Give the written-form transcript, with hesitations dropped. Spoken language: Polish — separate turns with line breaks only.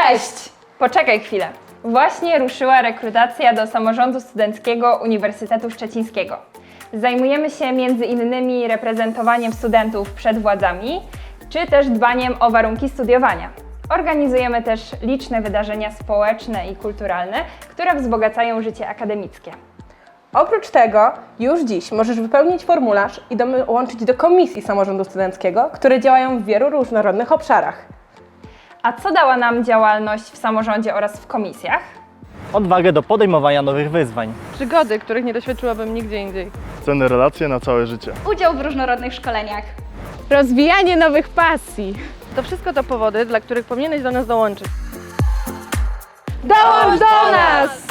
Cześć! Poczekaj chwilę. Właśnie ruszyła rekrutacja do Samorządu Studenckiego Uniwersytetu Szczecińskiego. Zajmujemy się między innymi reprezentowaniem studentów przed władzami, czy też dbaniem o warunki studiowania. Organizujemy też liczne wydarzenia społeczne i kulturalne, które wzbogacają życie akademickie.
Oprócz tego, już dziś możesz wypełnić formularz i dołączyć do komisji samorządu studenckiego, które działają w wielu różnorodnych obszarach.
A co dała nam działalność w samorządzie oraz w komisjach?
Odwagę do podejmowania nowych wyzwań.
Przygody, których nie doświadczyłabym nigdzie indziej.
Cenne relacje na całe życie.
Udział w różnorodnych szkoleniach.
Rozwijanie nowych pasji.
To wszystko to powody, dla których powinieneś do nas dołączyć.
Dołącz do nas!